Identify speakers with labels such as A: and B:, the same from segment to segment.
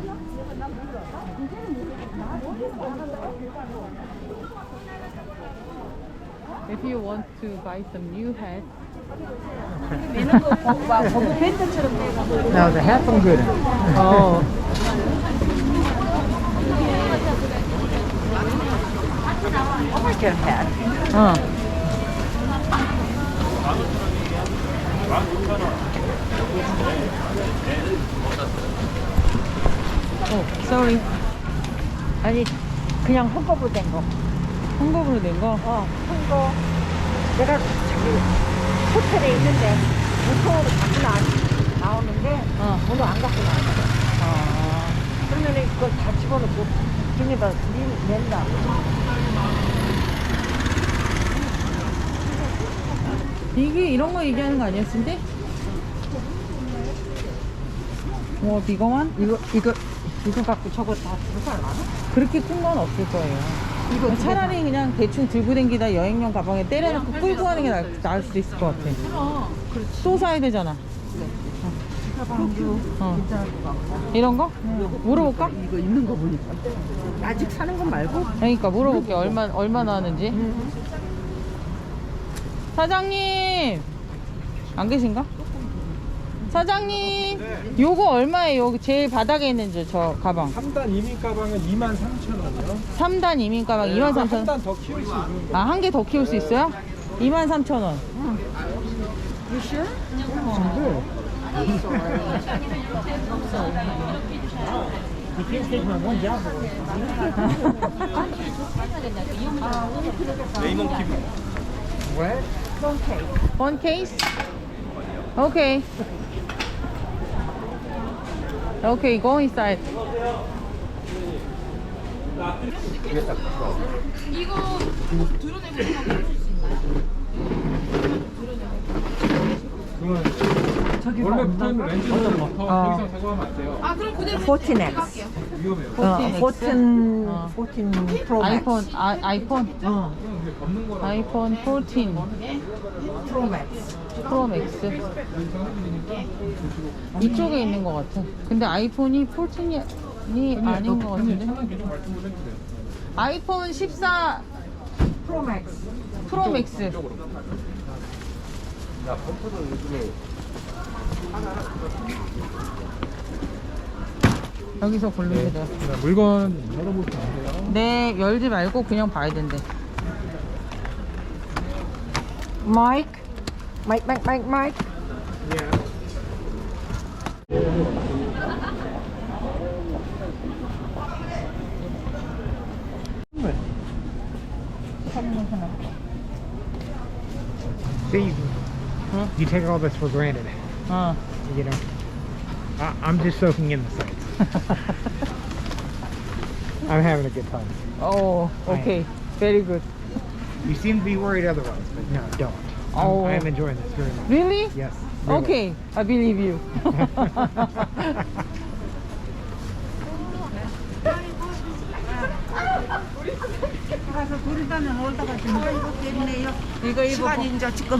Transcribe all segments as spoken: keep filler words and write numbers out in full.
A: If you want to buy some new hats.
B: No, the hats I'm good.
A: Oh.
B: I might get a hat.
A: 어. 어, sorry.
B: 아니, 그냥 헝겊으로 된 거.
A: 홍보부로 낸 거?
B: 어, 헝겊. 내가 저기 호텔에 있는데 무통으로 갖고 나, 나오는데
A: 어.
B: 오늘 안 갖고 나왔어.
A: 아.
B: 그러면 그걸 다 집어넣고 비닐에다 낸다.
A: 이게 이런 거 얘기하는 거 아니었는데? 뭐 비거만?
B: 이거 이거 이거 갖고 저거 다 들고 가나?
A: 그렇게 큰 건 없을 거예요.
B: 이거
A: 차라리 그냥 대충 들고 댕기다 여행용 가방에 때려놓고 끌고 가는 게 나을, 나을 수도 있을 것 같아. 또 사야 되잖아.
B: 가방도
A: 어.
B: 괜찮을 것 같고.
A: 이런 거? 물어볼까?
B: 이거 있는 거 보니까 아직 사는 건 말고.
A: 그러니까 물어볼게. 얼마 얼마나 하는지. 사장님 안 계신가? 사장님 요거 얼마예요? 여기 제일 바닥에 있는 저, 저 가방.
C: 삼 단 이민 가방은 이만 삼천 원이요.
A: 삼 단 이민 가방 이만 삼천 원.
C: 한 단 더 키울 수 있는 거.
A: 아, 한 개 더 키울 수 있어요? 이만 삼천 원.
B: You sure? You can't take my one job.
C: 레이먼 키브.
B: What? Phone case.
A: One case? Okay. Okay, go inside.
D: 이거 드러내고 생각해 줄 수 있나요?
C: 그러면
B: 저기
C: 원래 붙어 있는 렌즈는 더
B: 어.
C: 이상 제거하면 안 돼요.
D: 아 그럼 그대로
B: fourteen X.
D: 할게요.
C: 위험해요.
B: 어, fourteen,
A: 어.
B: fourteen Pro Max.
A: 아이폰, 아, 아이폰,
B: 어,
C: 그럼 그게 걷는 거라.
A: 아이폰 사십사
B: Pro Max.
A: 프로 맥스. 이쪽에 있는 것 같아. 근데 아이폰이 사십이 아닌 것 같은데.
C: 차는 계속 말씀을 해주세요.
A: 아이폰 십사
B: Pro Max.
A: 프로 맥스.
C: 야, 펌프도 요즘에
A: 여기서 고르면 돼요.
C: 물건 열어보시면 안 돼요.
A: 네, 열지 말고 그냥 봐야 된대.
B: Mike. Mike, Mike, Mike, Mike.
E: See,
A: Huh?
E: you take all this for granted,
A: 어.
E: you know. I, I'm just soaking in the sights. I'm having a good time.
A: 오, 오케이. Very good.
E: You seem to be worried otherwise, but no, don't. I'm,
A: Oh.
E: I am enjoying this very much.
A: Really?
E: Yes. really.
A: Okay, I believe you.
B: 가서 부르다면 올다가 좀 이거 때문에요.
A: 이거 입어.
B: 시간이 이제 지금.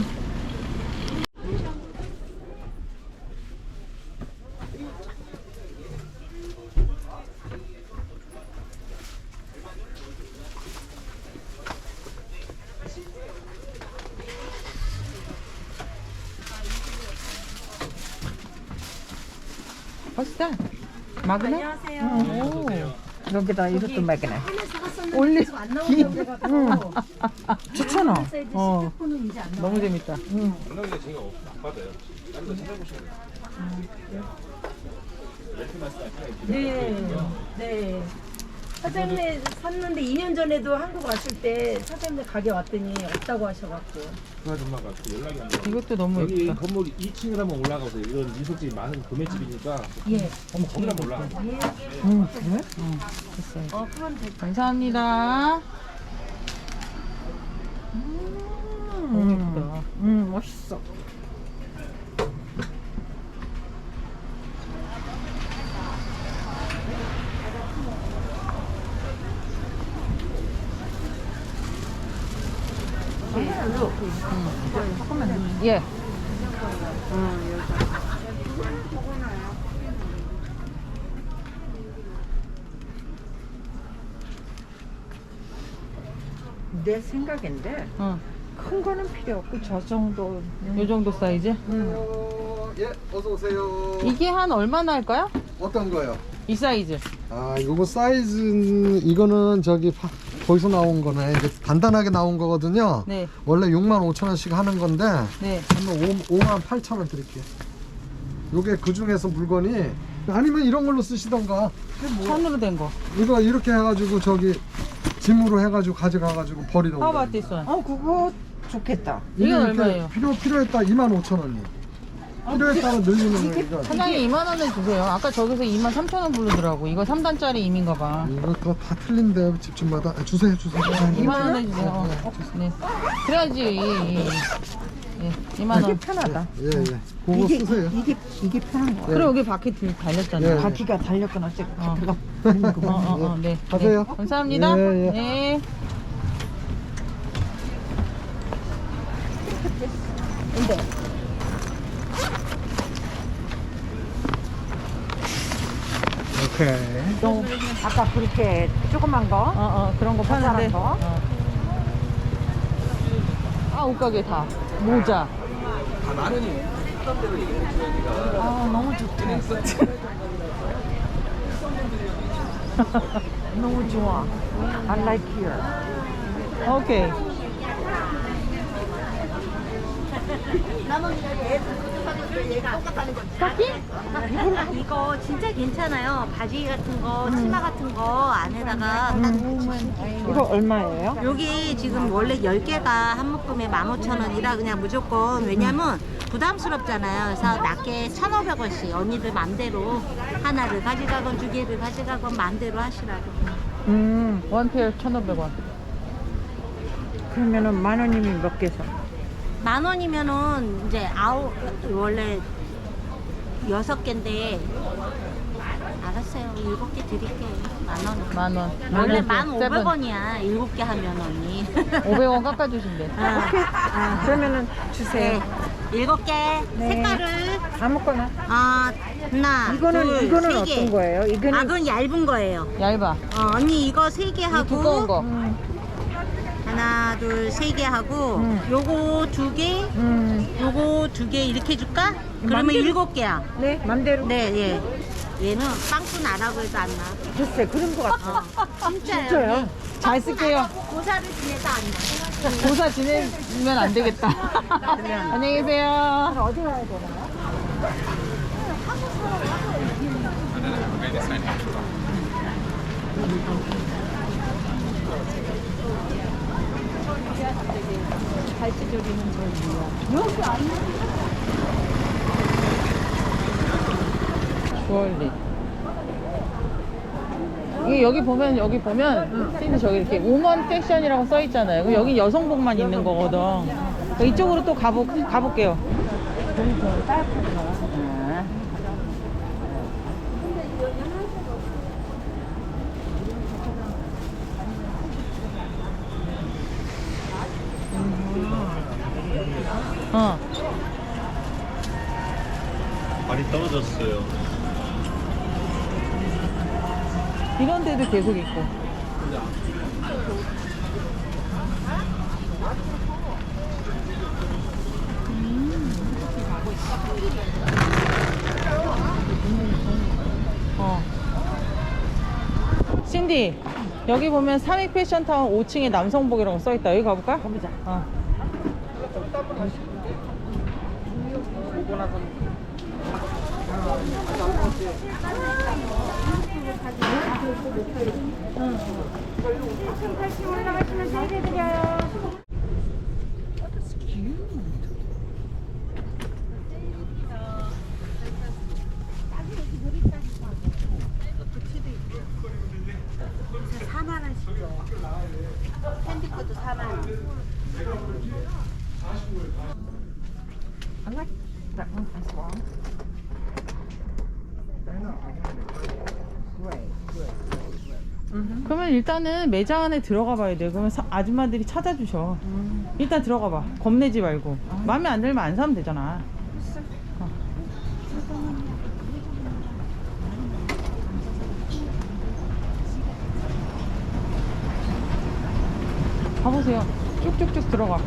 A: What's that? 마그넷?
B: 안녕하세요. 여기다 이것도 매기네.
A: 올리.
B: 응. 좋잖아.
A: 어. 너무 재밌다.
C: 연락이 제가 안 받아요. 다른 거 찾아보시면 돼요.
F: 네, 네. 사장님 샀는데 이 년 전에도 한국 왔을 때 사장님 가게 왔더니 없다고 하셔갖고.
C: 그 아줌마가 또 연락이 안 돼요.
A: 이것도 너무
C: 여기
A: 예쁘다.
C: 건물 이 층을 한번 올라가보세요. 이런 미소집이 많은 도매집이니까
F: 예.
C: 한번 거기 한번 올라가.
A: 응, 그래? 응, 됐어요.
F: 어, 그럼 될
A: 감사합니다. 너무 예쁘다.
B: 음, 멋있어.
A: 예.
B: 내 생각인데
A: 어.
B: 큰 거는 필요 없고 저 정도.
A: 요 정도 사이즈?
G: 어, 예, 어서 오세요.
A: 이게 한 얼마나 할까요?
G: 어떤 거요?
A: 이 사이즈.
G: 아, 요거 사이즈는 이거는 저기 파- 거기서 나온 거네. 이제 간단하게 나온 거거든요.
A: 네.
G: 원래 육만 오천 원씩 하는 건데
A: 네.
G: 한번 오만 팔천 원 드릴게요. 요게 그 중에서 물건이 아니면 이런 걸로 쓰시던가.
A: 천으로 된 거.
G: 이거 이렇게 해가지고 저기 짐으로 해가지고 가져가가지고 버리던가.
A: How about this one?
B: 어 그거 좋겠다.
G: 이게
A: 이건
G: 이렇게
A: 얼마예요?
G: 필요 필요했다 이만 오천 원이. 필요에 따라 늘리는 거 이거.
A: 사장님 이만 원에 주세요. 아까 저기서 이만 삼천 원 부르더라고. 이거 삼 단짜리 임인가 봐.
G: 이거 그거 다 틀린데 집집마다. 아, 주세요 주세요.
A: 이만 원에 주세요. 어, 네. 그래야지. 예, 이만 원.
B: 이게 편하다.
G: 예 예. 그거
B: 이게
G: 쓰세요.
B: 이게 이게 편한 거야.
A: 그리고 여기 바퀴 들- 달렸잖아.
G: 예.
B: 바퀴가 달렸건 어쨌건
A: 어.
B: 바퀴가
A: 어, 어, 어, 네.
G: 가세요.
A: 네. 감사합니다.
G: 예, 예.
A: 네.
E: Okay.
B: 또 아까 그렇게 조그만 거.
A: 어, 어, 그런 거 파는데.
B: 자잘한 거?
A: 어. 아, 옷가게 다. 모자.
B: 아 너무 좋다. 너무 좋아. I like here.
A: 오케이.
H: 이거 진짜 괜찮아요. 바지 같은 거, 치마 같은 거 안에다가
B: 이거 얼마예요?
H: 여기 지금 원래 열 개가 한 묶음에 만 오천 원이라 그냥 무조건 왜냐면 부담스럽잖아요. 그래서 낮게 천오백 원씩 언니들 맘대로 하나를 가져가건 두 개를 가져가건 맘대로 하시라고.
B: 음
A: 원 페어 천오백 원.
B: 그러면은 만 원이면 몇 개 사?
H: 만 원이면은 이제 아홉 원래 여섯 개인데 알았어요. 일곱 개 드릴게요. 만 원.
A: 만 원.
H: 원래
A: 일곱 개,
H: 만 오백
A: 세븐.
H: 원이야. 일곱 개 하면 언니.
A: 오백 원 깎아주신대.
H: 아,
B: 그러면은 주세요.
H: 네. 일곱 개
B: 네.
H: 색깔을
B: 아무거나.
H: 아 하나
B: 이거는
H: 둘,
B: 이거는
H: 세
B: 어떤
H: 개.
B: 거예요? 이거는
H: 아 그건 얇은 거예요.
A: 얇아.
H: 어, 언니 이거 세 개
A: 이
H: 하고
A: 두꺼운 거.
B: 음,
H: 하나 둘 세 개 하고
B: 음.
H: 요거 두 개,
B: 음,
H: 요거 두 개 이렇게 줄까? 그러면
B: 맘대로.
H: 일곱 개야.
B: 네 맘대로.
H: 네 예. 얘는 빵꾸 나라고 해도 안 나.
B: 글쎄 그런 거 같아.
H: 진짜요.
B: 진짜요?
A: 잘 쓸게요.
H: 고사를 지내도 안 나.
A: 고사 지내면 안 되겠다. 안녕히 계세요.
B: 어디 가야 되나요?
A: 주얼리. 이게 여기 보면 여기 보면 근데 저기 이렇게 우먼 섹션이라고 써 있잖아요. 그럼 여기 여성복만 있는 거거든. 그러니까 이쪽으로 또 가보 가볼게요. 아. 어.
C: 많이 떨어졌어요.
A: 이런 데도 계속 있고. 어. 신디, 여기 보면 삼익 패션타운 오 층에 남성복이라고 써있다. 여기 가볼까? 가보자. 어.
H: 사만 원씩요. 샌드코도 사만 원.
B: I like that one as well.
A: 그러면 일단은 매장 안에 들어가 봐야 돼. 그러면 사- 아줌마들이 찾아주셔. 일단 들어가 봐. 겁내지 말고. 마음에 안 들면 안 사면 되잖아. 어. 가보세요. 쭉쭉쭉 들어가.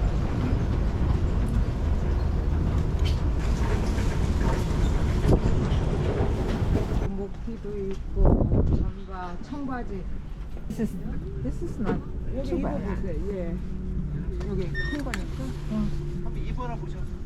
B: 목티도 있고 잠바, 청바지. This is, this is not too bad. 예. 여기 큰 거니까.
C: 한번 입어라 보셔.